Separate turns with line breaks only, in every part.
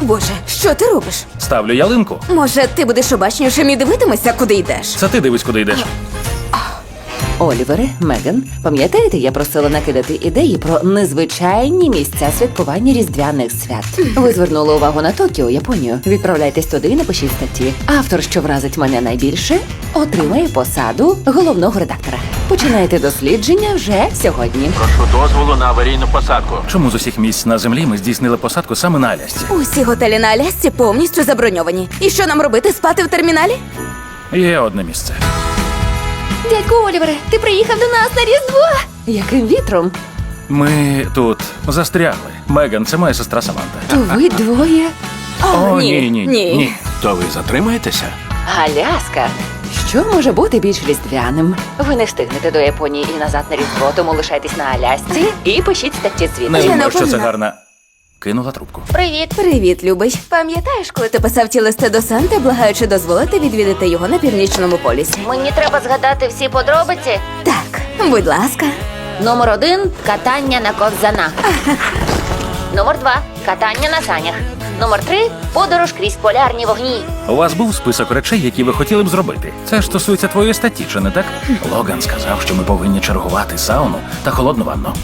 Боже, що ти робиш?
Ставлю ялинку.
Може, ти будеш обачнішим і дивитимешся, куди йдеш?
Це ти дивись, куди йдеш.
Олівере, Меган, пам'ятаєте, я просила накидати ідеї про незвичайні місця святкування різдвяних свят. Ви звернули увагу на Токіо, Японію. Відправляйтесь туди і напишіть статті. Автор, що вразить мене найбільше, отримає посаду головного редактора. Починайте дослідження вже сьогодні.
Прошу дозволу на аварійну посадку.
Чому з усіх місць на землі ми здійснили посадку саме на Алясці?
Усі готелі на Алясці повністю заброньовані. І що нам робити, спати в терміналі?
Є одне місце.
Дядьку Олівере, ти приїхав до нас на Різдво?
Яким вітром?
Ми тут застрягли. Меган, це моя сестра Саманта.
То ви двоє?
О, ні.
То ви затримаєтеся?
Аляска. Що може бути більш різдвяним? Ви не встигнете до Японії і назад на Різдво, тому лишайтесь на Алясці і пишіть статті
Не
звідти.
думаю, що це
напевно.
гарна. Кинула трубку.
Привіт.
Привіт, любий. Пам'ятаєш, коли ти писав ті листи до Санти, благаючи дозволити відвідати його на Північному полюсі?
Мені треба згадати всі подробиці.
Так, будь ласка.
Номер 1 – катання на ковзанах. Номер 2 – катання на санях. Номер 3 – подорож крізь полярні вогні.
У вас був список речей, які ви хотіли б зробити. Це ж стосується твоєї статті, чи не так? Логан сказав, що ми повинні чергувати сауну та холодну ванну.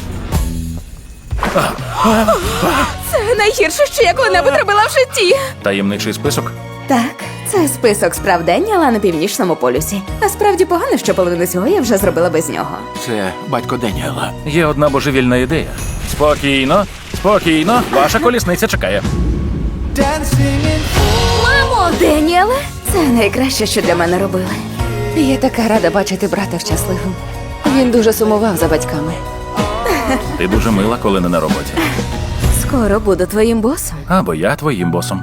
Це найгірше, що я коли-небудь робила в житті.
Таємничий список.
Так, це список справ день, але на Північному полюсі. Насправді погано, що половину цього я вже зробила без нього.
Це батько Деніела.
Є одна божевільна ідея. Спокійно, спокійно, ваша колісниця чекає.
Мамо! Деніеле, це найкраще, що для мене робили.
Я така рада бачити брата щасливим. Він дуже сумував за батьками.
Ти дуже мила, коли не на роботі.
Скоро буду твоїм босом.
Або я твоїм босом.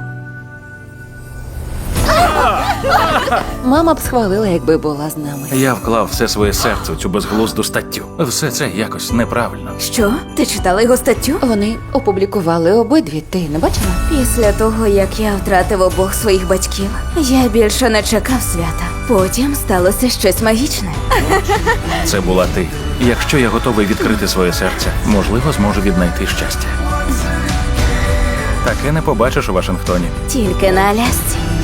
Мама б схвалила, якби була з нами.
Я вклав все своє серце у цю безглузду статтю. Все це якось неправильно.
Що? Ти читала його статтю?
Вони опублікували обидві. Ти не бачила?
Після того, як я втратив обох своїх батьків, я більше не чекав свята. Потім сталося щось магічне.
Це була ти. Якщо я готовий відкрити своє серце, можливо, зможу віднайти щастя. Таке не побачиш у Вашингтоні.
Тільки на Алясці.